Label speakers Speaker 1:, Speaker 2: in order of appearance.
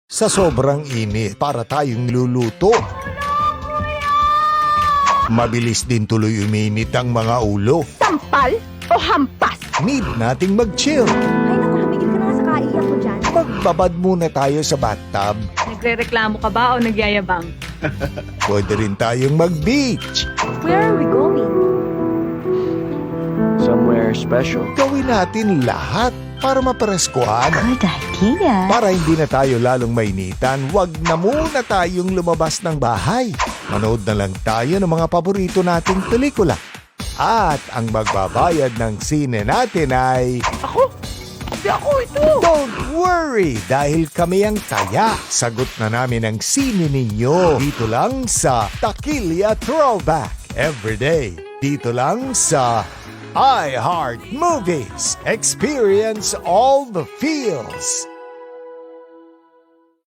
Speaker 1: Sa sobrang init, para tayong luluto. Mabilis din tuloy uminit ang mga ulo.
Speaker 2: Sampal o hampas?
Speaker 1: Need nating mag-chill.
Speaker 2: Ay naku, tumigil ka na nga sa kaiyak ko dyan.
Speaker 1: Magbabad muna tayo sa bathtub.
Speaker 3: Nagre-reklamo ka ba o nagyayabang?
Speaker 1: Pwede rin tayong mag-beach.
Speaker 2: Where are we going?
Speaker 4: Somewhere special.
Speaker 1: Gawin natin lahat para mapareskuhan.
Speaker 2: Good idea.
Speaker 1: Para hindi na tayo lalong mainitan, wag na muna tayong lumabas ng bahay. Manood na lang tayo ng mga paborito nating pelikula. At ang magbabayad ng sine natin ay...
Speaker 4: Ako? Hindi ako ito!
Speaker 1: Don't worry, dahil kami ang taya. Sagot na namin ang sine ninyo. Dito lang sa Takilya Throwback. Everyday. Dito lang sa iHeart Movies. Experience all the feels.